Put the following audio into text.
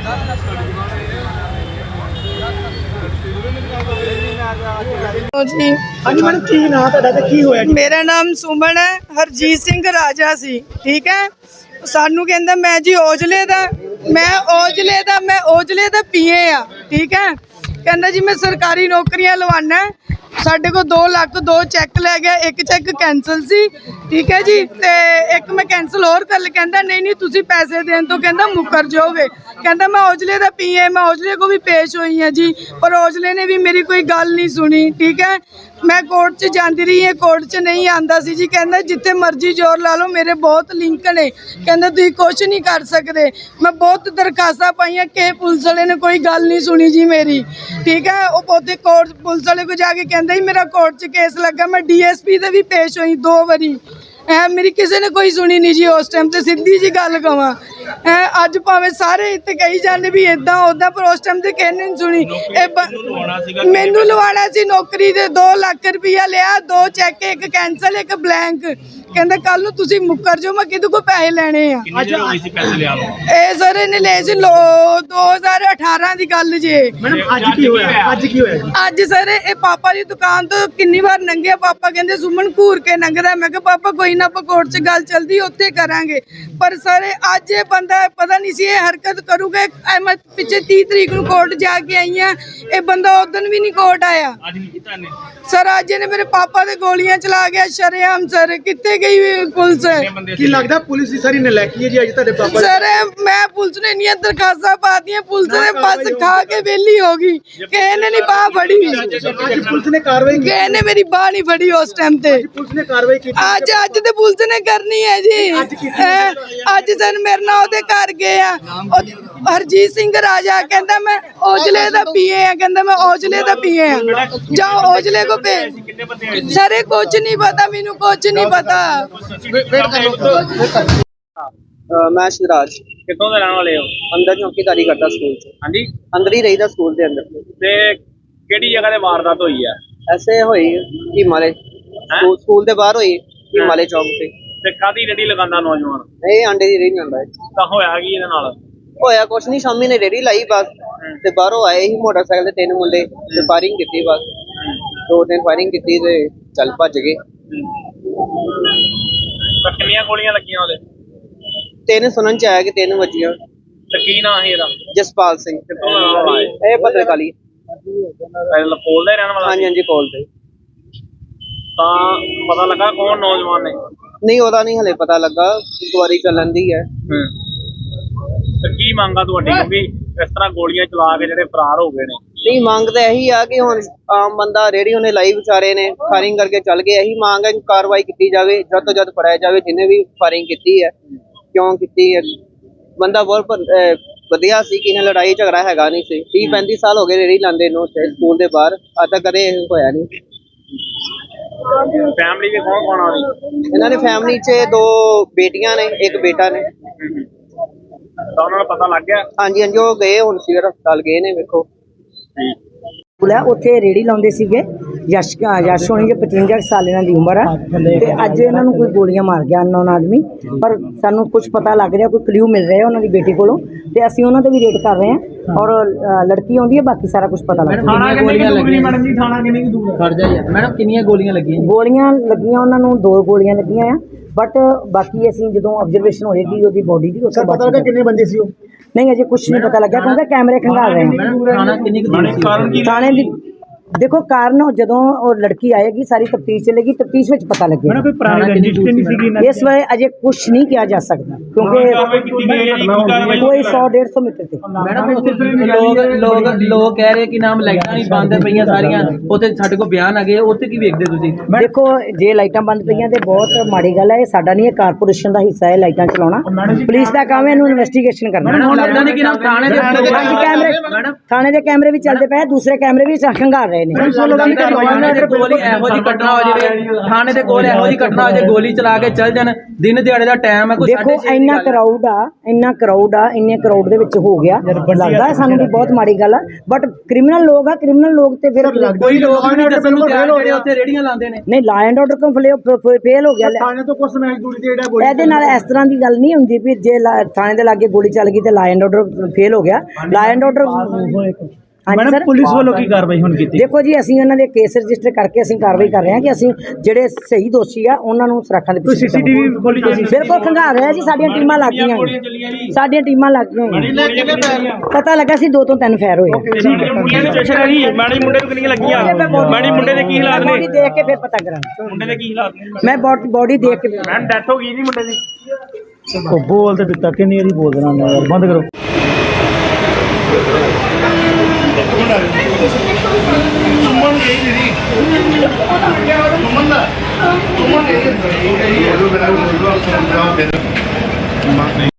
जी हाँ जी मैडम, की नाम ਤੁਹਾਡਾ ਤੇ ਕੀ ਹੋਇਆ ਜੀ? मेरा नाम सुमन है। हरजीत सिंह राजा सी, ठीक है। सानू कहंदा मैं जी ओजले दा, मैं ओजले दा पीए आ, ठीक है। कहंदा जी मैं सरकारी नौकरियां लवाना है। साढ़े को 2 लाख 2 चैक लै गया, एक चैक कैंसल सी, ठीक है जी। ते एक मैं कैंसल होर कर कहंदा नहीं नहीं तुसी पैसे देन तो कहंदा मुकर जाओगे। कहंदा मैं ओजले दा पीए, मैं ओजले को भी पेश हुई है जी, पर ओजले ने भी मेरी कोई गल नहीं सुनी, ठीक है। मैं कोर्ट च जाती रही है, कोर्ट च नहीं आंदा सी जी। कहंदा जिथे मर्जी जोर ला लो, मेरे बहुत लिंक ने। कहंदा तुसीं कुछ नहीं कर सकते। मैं बहुत दरखास्तां पाईयां कि पुलिस वाले ने कोई गल नहीं सुनी जी मेरी, ठीक है। वो उत्थे कोर्ट पुलिस वाले को जाके कहंदा जी मेरा कोर्ट च केस लगा। मैं DSP दे भी पेश हुई 2 बारी, मेरी किसी ने कोई सुनी नहीं जी उस टाइम। तो सीधी जी गल कवां, अज भावें सारे इत्थे कही जाने भी इदां उदां, पर उस टाइम ते किसी ने नहीं सुनी। मैनू लवाना सी नौकरी दे 2 लाख रुपया लिया, 2 चैक, एक कैंसल, एक ब्लैंक। कहंदा कल नूं तुसीं मुकर जाओ, मैं किहदे कोल पैसे लैणे आ। ਇਹ ਸਰ ਇਹਨੇ ਲਏ ਸੀ 2018 ਦੀ ਗੱਲ ਜੇ। ਮੈਡਮ ਅੱਜ ਕੀ ਹੋਇਆ? ਅੱਜ ਕੀ ਹੋਇਆ ਜੀ? ਅੱਜ ਸਰ ਇਹ ਪਾਪਾ ਦੀ ਦੁਕਾਨ ਤੋਂ ਕਿੰਨੀ ਵਾਰ ਲੰਘਿਆ, ਪਾਪਾ ਕਹਿੰਦੇ ਸੁਮਨ ਘੂਰ ਕੇ ਲੰਘਦਾ। ਮੈਂ ਕਿਹਾ ਪਾਪਾ ਕੋਈ ਨਾ, ਆਪਾਂ ਕੋਰਟ 'ਚ ਗੱਲ ਚੱਲਦੀ ਉੱਥੇ ਕਰਾਂਗੇ। ਪਰ ਸਰ ਅੱਜ ਇਹ ਬੰਦਾ ਪਤਾ ਨਹੀਂ ਸੀ ਇਹ ਹਰਕਤ ਕਰੂਗਾ। ਮੈਂ ਪਿੱਛੇ 30 ਤਰੀਕ ਨੂੰ ਕੋਰਟ ਜਾ ਕੇ ਆਈ ਆ, ਇਹ ਬੰਦਾ ਉਦੋਂ ਵੀ ਨਹੀਂ ਕੋਰਟ ਆਇਆ। ਸਰ ਅੱਜ ਇਹਨੇ ਮੇਰੇ ਪਾਪਾ ਦੇ ਗੋਲੀਆਂ ਚਲਾ ਗਿਆ ਸ਼ਰੇਆਮ। ਸਰ ਕਿੱਥੇ ਗਈ ਪੁਲਿਸ? ਕੀ ਲੱਗਦਾ ਪੁਲਿਸ ਦੀ ਸਾਰੀ ਨਲਾਇਕੀ ਹੈ ਜੀ ਅੱਜ ਤੁਹਾਡੇ ਪਾਪਾ? ਸਰ ਮੈਂ ਪੁਲਿਸ ਨੇ ਇੰਨੀਆਂ ਦਰਖਾਸਤਾਂ ਪਾਤੀਆਂ, ਪੁਲਿਸ ਨੇ ਬਸ ਖਾ ਕੇ ਵਿਹਲੀ ਹੋ ਗਈ। ਕਿਸੇ ਨੇ ਨਹੀਂ ਬਾਹ ਫੜੀ, ਅੱਜ ਪੁਲਿਸ ਨੇ ਕਾਰਵਾਈ ਕੀਤੀ? ਕਿਸੇ ਨੇ ਮੇਰੀ ਬਾਹ ਨਹੀਂ ਫੜੀ ਉਸ ਟਾਈਮ ਤੇ। ਪੁਲਿਸ ਨੇ ਕਾਰਵਾਈ ਕੀਤੀ? ਅੱਜ ਤੇ ਪੁਲਿਸ ਨੇ ਕਰਨੀ ਹੈ ਜੀ। ਅੱਜ ਸਰ ਮੇਰੇ ਨਾਲ ਉਹਦੇ ਘਰ ਗਏ ਆ, ਹਰਜੀਤ ਸਿੰਘ ਰਾਜਾ ਕਹਿੰਦਾ ਮੈਂ ਔਜਲੇ ਦਾ ਪੀਏ ਆ, ਕਹਿੰਦਾ ਮੈਂ ਔਜਲੇ ਦਾ ਪੀਏ ਆ, ਜਾਓ ਔਜਲੇ ਕੋ ਭੇਜ। ਸਰ ਕੁਝ ਨਹੀਂ ਪਤਾ ਮੈਨੂੰ, ਕੁਝ ਨਹੀਂ ਪਤਾ। मैं शिवराज कितों दे रहने वाले हो? अंदर चौकीदारी करता स्कूल च। हाँ जी। अंदर ही रहीदा स्कूल के अंदर। ते केड़ी जगह ते वारदात हुई है? ऐसे होई हिमाले स्कूल के बाहर होई, हिमाले चौक से। ते कादी रेडी लगांदा नौजवान? ਇਹ ਆਂਡੇ ਦੀ ਰੇਹੜੀ ਲਾਉਂਦਾ ਹੈ। ਤਾਂ ਹੋਇਆ ਕੀ ਇਹਦੇ ਨਾਲ? ਹੋਇਆ ਕੁਛ ਨਹੀਂ, ਸ਼ਾਮੀ ਨੇ ਰੇਹੜੀ ਲਾਈ ਬਸ, ਤੇ ਬਾਹਰੋਂ ਆਏ ਹੀ ਮੋਟਰਸਾਈਕਲ ਤੇ 3 ਮੁੰਡੇ, ਤੇ ਫਾਇਰਿੰਗ ਕੀਤੀ ਬਸ। 2-3 ਫਾਇਰਿੰਗ ਕੀਤੀ ਤੇ ਚੱਲ ਭੱਜ ਗਏ। ਤਾਂ ਕਿੰਨੀਆਂ ਗੋਲੀਆਂ ਲੱਗੀਆਂ ਉਹਦੇ? 3 ਸੁਣਨ ਚ ਆਇਆ ਕਿ 3 ਵੱਜੀਆਂ। ਤੇ ਕੀ ਨਾਂ ਸੀ ਇਹਦਾ? ਜਸਪਾਲ ਸਿੰਘ। ਕਿੱਥੋਂ ਦਾ ਰਹਿਣ ਵਾਲਾ ਹੈ? ਇਹ ਭद्रकाली। ਕੋਲ ਦਾ ਹੀ ਰਹਿਣ ਵਾਲਾ? ਹਾਂਜੀ ਹਾਂਜੀ ਕੋਲ ਤੇ। ਤਾਂ ਪਤਾ ਲੱਗਾ ਕੌਣ ਨੌਜਵਾਨ ਨੇ? ਨਹੀਂ ਉਹਦਾ ਨਹੀਂ ਹਲੇ ਪਤਾ ਲੱਗਾ, ਇਨਕੁਆਇਰੀ ਚੱਲਣ ਦੀ ਹੈ। ਤੇ ਕੀ ਮੰਗਾ ਤੁਹਾਡੀ, ਕਿਉਂਕਿ ਇਸ ਤਰ੍ਹਾਂ ਗੋਲੀਆਂ ਚਲਾ ਕੇ ਜਿਹੜੇ ਫਰਾਰ ਹੋ ਗਏ ਨੇ? ਨਹੀਂ ਮੰਗ ਤਾਂ ਇਹੀ ਆ ਕਿ ਹੁਣ ਆਮ ਬੰਦਾ ਰੇਹੜੀ ਉਹਨੇ ਲਾਈ ਵਿਚਾਰੇ ਨੇ, ਫਾਇਰਿੰਗ ਕਰਕੇ ਚੱਲ ਗਏ। ਇਹੀ ਮੰਗ ਹੈ ਕਿ ਕਾਰਵਾਈ ਕੀਤੀ ਜਾਵੇ, ਜਦ ਤੋਂ ਜਦ ਫੜਿਆ ਜਾਵੇ ਜਿਹਨੇ ਵੀ ਫਾਇਰਿੰਗ ਕੀਤੀ ਹੈ, ਕਿਉਂ ਕੀਤੀ ਹੈ। ਬੰਦਾ ਬਹੁਤ ਵਧੀਆ ਸੀ, ਕਿਸੇ ਲੜਾਈ ਝਗੜਾ ਹੈਗਾ ਨਹੀਂ ਸੀ। 30-35 ਸਾਲ ਹੋ ਗਏ ਰੇਹੜੀ ਲਾਉਂਦੇ ਨੂੰ ਸਕੂਲ ਦੇ ਬਾਹਰ, ਅੱਜ ਤੱਕ ਕਦੇ ਇਹ ਹੋਇਆ ਨਹੀਂ। ਫੈਮਿਲੀ ਦੇ ਕੌਣ ਕੌਣ ਆ ਰਹੀ? ਇਹਨਾਂ ਨੇ ਫੈਮਿਲੀ 'ਚ 2 ਬੇਟੀਆਂ ਨੇ, 1 ਬੇਟਾ ਨੇ। ਤਾਂ ਉਹਨਾਂ ਨੂੰ ਪਤਾ ਲੱਗ ਗਿਆ? ਹਾਂਜੀ ਹਾਂਜੀ ਉਹ ਗਏ ਹੁਣ ਸਿਵਲ ਹਸਪਤਾਲ ਗਏ ਨੇ, ਵੇਖੋ। ਉੱਥੇ ਰੇੜੀ ਲਾਉਂਦੇ ਸੀਗੇ। ਯਸ਼ ਹੋਣੀ ਜੇ 55 ਸਾਲ ਇਹਨਾਂ ਦੀ ਉਮਰ ਆ, ਤੇ ਅੱਜ ਇਹਨਾਂ ਨੂੰ ਕੋਈ ਗੋਲੀਆਂ ਮਾਰ ਗਿਆ ਅਨਨੋਨ ਆਦਮੀ। ਪਰ ਸਾਨੂੰ ਕੁਝ ਪਤਾ ਲੱਗ ਰਿਹਾ, ਕੋਈ ਕਲਿਊ ਮਿਲ ਰਿਹਾ ਉਹਨਾਂ ਦੀ ਬੇਟੀ ਕੋਲੋਂ, ਤੇ ਅਸੀਂ ਉਹਨਾਂ ਤੇ ਵੀ ਰੇਡ ਕਰ ਰਹੇ ਹਾਂ। ਔਰ ਲੜਕੀ ਆਉਂਦੀ ਹੈ, ਬਾਕੀ ਸਾਰਾ ਕੁਝ ਪਤਾ ਲੱਗ ਰਿਹਾ। ਮੈਡਮ ਜੀ ਥਾਣਾ ਕਿੰਨੀ ਕੁ ਦੂਰ ਹੈ? ਖੜ ਜਾ ਯਾਰ ਮੈਡਮ, ਕਿੰਨੀਆਂ ਗੋਲੀਆਂ ਲੱਗੀਆਂ? ਗੋਲੀਆਂ ਲੱਗੀਆਂ ਉਹਨਾਂ ਨੂੰ 2 ਗੋਲੀਆਂ ਲੱਗੀਆਂ ਆ, ਬਟ ਬਾਕੀ ਅਸੀਂ ਜਦੋਂ ਆਬਜ਼ਰਵੇਸ਼ਨ ਹੋਏਗੀ ਉਹਦੀ ਬੋਡੀ ਦੀ, ਉਸ ਤੋਂ ਬਾਅਦ ਪਤਾ ਲੱਗਾ ਕਿੰਨੇ ਬੰਦੇ ਸੀ ਉਹ? ਨਹੀਂ ਅਜੇ ਕੁਝ ਨਹੀਂ ਪਤਾ ਲੱਗਿਆ, ਕਿਉਂਕਿ ਕੈਮਰੇ ਖੰਗਾਲ ਰਹੇ ਨੇ। ਥਾਣਾ ਕਿੰਨੀ ਕੁ ਦੂਰ ਸੀ? ਥਾਣੇ ਦੀ देखो कारण ਜਦੋਂ ਉਹ ਲੜਕੀ ਆਏਗੀ ਸਾਰੀ ਤਫਤੀਸ਼ ਚੱਲੇਗੀ, ਤਫਤੀਸ਼ ਵਿੱਚ ਪਤਾ ਲੱਗੇਗਾ। ਕੋਈ ਪੁਰਾਣੀ ਰੰਜਿਸ਼ ਤੇ ਨਹੀਂ ਸੀਗੀ ਇਸ ਵੇਲੇ ਅਜੇ ਕੁਝ ਨਹੀਂ ਕਿਹਾ ਜਾ ਸਕਦਾ, ਕਿਉਂਕਿ ਕੋਈ 100-150 ਮੀਟਰ ਤੇ। ਮੈਡਮ ਲੋਕ ਕਹਿ ਰਹੇ ਕਿ ਨਾਮ ਲਾਈਟਾਂ ਨਹੀਂ ਬੰਦ ਪਈਆਂ ਸਾਰੀਆਂ, ਉੱਥੇ ਸਾਡੇ ਕੋਲ ਬਿਆਨ ਆ ਗਏ, ਉੱਥੇ ਕੀ ਵੇਖਦੇ ਤੁਸੀਂ? ਦੇਖੋ ਜੇ ਲਾਈਟਾਂ ਬੰਦ ਪਈਆਂ ਤੇ ਬਹੁਤ ਮਾੜੀ ਗੱਲ ਹੈ। ਇਹ ਸਾਡਾ ਨਹੀਂ, ਇਹ ਕਾਰਪੋਰੇਸ਼ਨ ਦਾ ਹਿੱਸਾ ਹੈ ਲਾਈਟਾਂ ਚਲਾਉਣਾ। ਪੁਲਿਸ ਦਾ ਕੰਮ ਹੈ ਇਹਨੂੰ ਇਨਵੈਸਟੀਗੇਸ਼ਨ ਕਰਨਾ। ਹੁਣ ਲੱਗਦਾ ਨਹੀਂ ਕਿ ਨਾਮ ਥਾਣੇ ਦੇ ਥਾਣੇ ਦੇ ਕੈਮਰੇ ਵੀ ਚੱਲਦੇ ਪਏ, ਦੂਸਰੇ ਕੈਮਰੇ ਵੀ ਖੰਗਾਲ ਰਹੇ। ਰਹੇ ਨੇ। ਥਾਣੇ ਦੇ ਕੋਲ ਹੀ ਇਹੋ ਜਿਹੀ ਘਟਨਾ ਹੋ ਜਾਵੇ, ਥਾਣੇ ਦੇ ਕੋਲ ਇਹੋ ਜਿਹੀ ਘਟਨਾ ਹੋ ਜਾਵੇ, ਗੋਲੀ ਚਲਾ ਕੇ ਚੱਲ ਜਾਣ, ਦਿਨ ਦਿਹਾੜੇ ਦਾ ਟਾਈਮ ਹੈ, ਕੋਈ ਦੇਖੋ ਇੰਨਾ ਕਰਾਊਡ ਆ, ਇੰਨੇ ਕਰਾਊਡ ਦੇ ਵਿੱਚ ਹੋ ਗਿਆ, ਲੱਗਦਾ ਹੈ ਸਾਨੂੰ ਵੀ ਬਹੁਤ ਮਾੜੀ ਗੱਲ ਆ, ਬਟ ਕ੍ਰਿਮੀਨਲ ਲੋਕ ਆ, ਕ੍ਰਿਮੀਨਲ ਲੋਕ ਤੇ ਫਿਰ ਕੋਈ ਲੋਕ ਵੀ ਨਹੀਂ ਦੱਸਣ ਨੂੰ ਤਿਆਰ ਜਿਹੜੇ ਉੱਥੇ ਰੇੜੀਆਂ ਲਾਉਂਦੇ ਨੇ। ਨਹੀਂ, ਲਾ ਐਂਡ ਆਰਡਰ ਕਿਉਂ ਫੇਲ ਹੋ ਗਿਆ? ਥਾਣੇ ਤੋਂ ਕੁਝ ਸਮੈਸ਼ ਦੂਰੀ ਤੇ ਜਿਹੜਾ ਇਹਦੇ ਨਾਲ ਇਸ ਤਰ੍ਹਾਂ ਦੀ ਗੱਲ ਨਹੀਂ ਹੁੰਦੀ ਵੀ ਜੇ ਥਾਣੇ ਦੇ ਲਾਗੇ ਗੋਲੀ ਚੱਲ ਗਈ ਤੇ ਲਾ ਐਂਡ ਆਰਡਰ ਫੇਲ ਹੋ ਗਿਆ। Law and order madam police ਵੱਲੋਂ ਕੀ ਕਾਰਵਾਈ ਹੁਣ ਕੀਤੀ? ਦੇਖੋ ਜੀ, ਅਸੀਂ ਉਹਨਾਂ ਦੇ ਕੇਸ ਰਜਿਸਟਰ ਕਰਕੇ ਅਸੀਂ ਕਾਰਵਾਈ ਕਰ ਰਹੇ ਹਾਂ ਕਿ ਅਸੀਂ ਜਿਹੜੇ ਸਹੀ ਦੋਸ਼ੀ ਆ ਉਹਨਾਂ ਨੂੰ ਸੁਰੱਖਿਆ ਦੇ ਪਿੱਛੇ ਸੀਸੀਟੀਵੀ ਖੋਲੀ ਤੁਸੀਂ? ਬਿਲਕੁਲ ਖੰਗਾਰ ਰਿਹਾ ਜੀ, ਸਾਡੀਆਂ ਟੀਮਾਂ ਲੱਗ ਗਈਆਂ, ਸਾਡੀਆਂ ਟੀਮਾਂ ਲੱਗ ਗਈਆਂ, ਪਤਾ ਲੱਗਾ ਸੀ 2 ਤੋਂ 3 ਫਾਇਰ ਹੋਏ। ਮੁੰਡੇ ਦੀ ਸਟੇਸ਼ਨ ਹੈਗੀ, ਮਾੜੀ ਮੁੰਡੇ ਨੂੰ ਕਿੰਨੀਆਂ ਲੱਗੀਆਂ, ਮਾੜੀ ਮੁੰਡੇ ਦੇ ਕੀ ਹਾਲਾਤ ਨੇ? ਬੋਡੀ ਦੇਖ ਕੇ ਫਿਰ ਪਤਾ ਕਰਾਂਗੇ। ਮੁੰਡੇ ਦੇ ਕੀ ਹਾਲਾਤ ਨੇ? ਮੈਂ ਬੋਡੀ ਦੇਖ ਕੇ ਮੈਮ ਡੈਥ ਹੋ ਗਈ ਜੀ ਮੁੰਡੇ ਦੀ। ਉਹ ਬੋਲ ਤੇ ਦਿੱਤਾ ਕਿੰਨੀ ਵਾਰੀ ਬੋਲ ਦੇਣਾ ਮੈਂ ਯਾਰ, ਬੰਦ ਕਰੋ। ਸੁਮਨ ਗਈ ਦੀਦੀ ਸੁਮਨ ਦਾ ਸੁਮਨ ਗਈ